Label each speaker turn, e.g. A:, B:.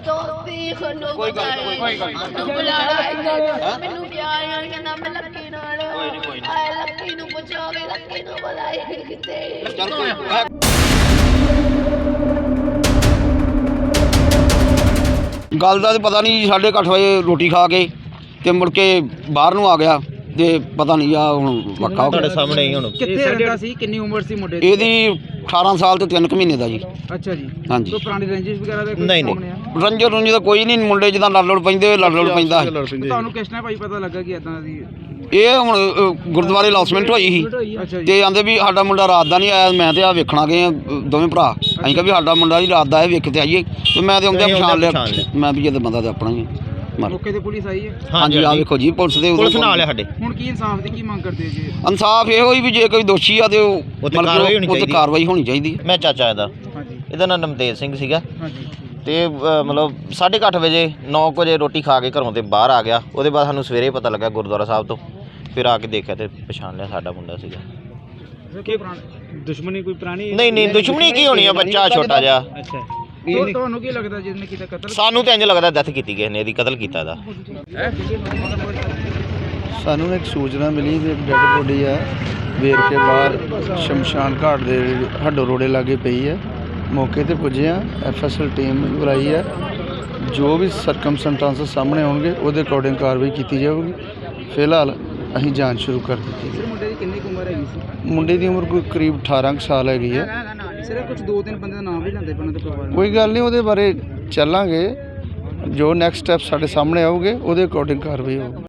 A: ਦੋਸਤੀ ਖੰਡੋ
B: ਕੋਈ ਗੱਲ
A: ਮੈਨੂੰ ਪਿਆਰ ਨਾਲ ਕਹਿੰਦਾ ਮੈਂ ਲੱਕੀ ਨਾਲ ਆਏ ਲੱਕੀ ਨੂੰ ਪੁੱਛੋਗੇ ਲੱਕੀ ਨੂੰ ਬੁਲਾਏ ਕਿਤੇ
B: ਚੱਲ ਕੋਈ ਗੱਲ ਦਾ ਤਾਂ ਪਤਾ ਨਹੀਂ। 8:30 ਵਜੇ ਰੋਟੀ ਖਾ ਕੇ ਤੇ ਮੁੜ ਕੇ ਬਾਹਰ ਨੂੰ ਆ ਗਿਆ ਤੇ ਪਤਾ ਨਹੀਂ ਆ ਹੁਣ ਵੱਖਾ
C: ਤੁਹਾਡੇ ਸਾਹਮਣੇ ਹੀ ਹੁਣ
D: ਕਿੱਥੇ ਰਹਿੰਦਾ ਸੀ? ਕਿੰਨੀ ਉਮਰ ਸੀ ਮੁੰਡੇ ਦੀ?
B: ਇਹਦੀ 18 ਸਾਲ ਤੇ 3 ਮਹੀਨੇ ਦਾ ਜੀ।
D: ਅੱਛਾ ਜੀ।
B: ਹਾਂਜੀ।
D: ਕੋਈ ਪੁਰਾਣੀ ਰੰਜਿਸ਼ ਵਗੈਰਾ ਦਾ
C: ਨਹੀਂ,
D: ਸਾਹਮਣੇ ਆ?
B: ਰੰਜੋ ਰੁੰਜੀ ਦਾ ਕੋਈ ਨਹੀਂ। ਮੁੰਡੇ ਜਿੱਦਾਂ ਲੜ ਪੈਂਦੇ ਪੈਂਦਾ
D: ਤੁਹਾਨੂੰ ਕਿਸ ਨੇ ਭਾਈ ਪਤਾ ਲੱਗਾ ਕਿ ਇਦਾਂ ਦੀ?
B: ਇਹ ਹੁਣ ਗੁਰਦੁਆਰੇ ਅਨਾਉਂਸਮੈਂਟ ਹੋਈ ਸੀ
D: ਅੱਛਾ ਜੀ।
B: ਤੇ ਆਂਦੇ ਵੀ ਸਾਡਾ ਮੁੰਡਾ ਰਾਤ ਦਾ ਨਹੀਂ ਆਇਆ। ਮੈਂ ਤੇ ਆ ਵੇਖਣਾ ਗਏ ਆ ਦੋਵੇਂ ਭਰਾ। ਅਸੀਂ ਕਿਹਾ ਵੀ ਸਾਡਾ ਮੁੰਡਾ ਜੀ ਰਾਤ ਦਾ ਆਇਆ, ਵੇਖ ਤੇ ਆਈਏ। ਤੇ ਮੈਂ ਤੇ ਆਉਂਦੇ ਪਛਾਣ ਲਿਆ। ਮੈਂ ਵੀ ਇਹਦਾ ਬੰਦਾ ਤੇ ਆਪਣਾ ਹੀ ਮਰ।
D: ਮੌਕੇ ਤੇ ਪੁਲਿਸ ਆਈ ਹੈ?
B: ਹਾਂਜੀ ਆ ਵੇਖੋ ਜੀ ਪੁਲਿਸ ਦੇ
C: ਪੁਲਿਸ ਨਾਲ ਆ ਸਾਡੇ।
D: ਹੁਣ ਕੀ ਇਨਸਾਫ ਦੀ ਕੀ ਮੰਗ ਕਰਦੇ ਜੀ?
B: ਇਨਸਾਫ ਇਹੋ ਹੀ ਵੀ ਜੇ ਕੋਈ ਦੋਸ਼ੀ ਆ ਤੇ ਉਹ ਕਾਰਵਾਈ ਹੋਣੀ ਚਾਹੀਦੀ।
C: ਮੈਂ ਚਾਚਾ ਇਹਦਾ।
D: ਹਾਂਜੀ।
C: ਇਹਦਾ ਨਾਮ ਨਮਤੇਜ ਸਿੰਘ ਸੀਗਾ
D: ਹਾਂਜੀ।
C: ਤੇ ਮਤਲਬ 8:30 ਵਜੇ 9 ਵਜੇ ਰੋਟੀ ਖਾ ਕੇ ਘਰੋਂ ਤੇ ਬਾਹਰ ਆ ਗਿਆ। ਉਹਦੇ ਬਾਅਦ ਸਾਨੂੰ ਸਵੇਰੇ ਪਤਾ ਲੱਗਾ ਗੁਰਦੁਆਰਾ ਸਾਹਿਬ ਤੋਂ। ਫਿਰ ਆ ਕੇ ਦੇਖਿਆ ਤੇ ਪਛਾਣ ਲਿਆ ਸਾਡਾ ਮੁੰਡਾ ਸੀਗਾ।
D: ਦੁਸ਼ਮਣੀ ਕੋਈ ਪੁਰਾਣੀ?
C: ਨਹੀਂ ਦੁਸ਼ਮਣੀ ਕੀ ਹੋਣੀ ਆ, ਬੱਚਾ ਛੋਟਾ ਜਿਹਾ।
D: ਅੱਛਾ। ਤੁਹਾਨੂੰ ਕੀ ਲੱਗਦਾ ਜਿਹਨੇ ਕੀਤਾ ਕਤਲ?
C: ਸਾਨੂੰ ਤਾਂ ਇੰਜ ਲੱਗਦਾ ਡੈਥ ਕੀਤੀ ਕਿਸੇ ਨੇ, ਇਹਦੀ ਕਤਲ ਕੀਤਾ ਇਹਦਾ।
E: ਸਾਨੂੰ ਇੱਕ ਸੂਚਨਾ ਮਿਲੀ ਵੀ ਇੱਕ ਡੈੱਡ ਬੋਡੀ ਆ ਵੇਰਕੇ ਬਾਹਰ ਸ਼ਮਸ਼ਾਨ ਘਾਟ ਦੇ ਹੱਡੋ ਰੋੜੇ ਲਾਗੇ ਪਈ ਹੈ। ਮੌਕੇ ਤੇ ਪੁੱਜੇ ਆ, ਐਫਐਸਐਲ ਟੀਮ ਬੁਲਾਈ ਹੈ। ਜੋ ਵੀ ਸਰਕਮਸਟੈਂਸਸ ਸਾਹਮਣੇ ਆਉਣਗੇ ਉਹਦੇ ਅਕੋਰਡਿੰਗ ਕਾਰਵਾਈ ਕੀਤੀ ਜਾਊਗੀ। ਫਿਲਹਾਲ ਅਸੀਂ ਜਾਂਚ ਸ਼ੁਰੂ ਕਰ ਦਿੱਤੀ ਹੈ।
D: ਮੁੰਡੇ ਦੀ ਕਿੰਨੀ ਉਮਰ ਹੈਗੀ ਸੀ?
E: ਮੁੰਡੇ ਦੀ ਉਮਰ ਕੋਈ ਕਰੀਬ 18 ਸਾਲ ਹੈਗੀ ਹੈ।
D: ਸਿਰਫ ਕੁਝ 2-3 ਬੰਦੇ ਦਾ ਨਾਮ ਵੀ ਲੈਂਦੇ ਪਏ ਉਹਨਾਂ ਦੇ ਪਰਿਵਾਰ?
E: ਕੋਈ ਗੱਲ ਨਹੀਂ, ਉਹਦੇ ਬਾਰੇ ਚੱਲਾਂਗੇ। ਜੋ ਨੈਕਸਟ ਸਟੈਪ ਸਾਡੇ ਸਾਹਮਣੇ ਆਉਗੇ ਉਹਦੇ ਅਕੋਰਡਿੰਗ ਕਾਰਵਾਈ ਹੋਊਗੀ।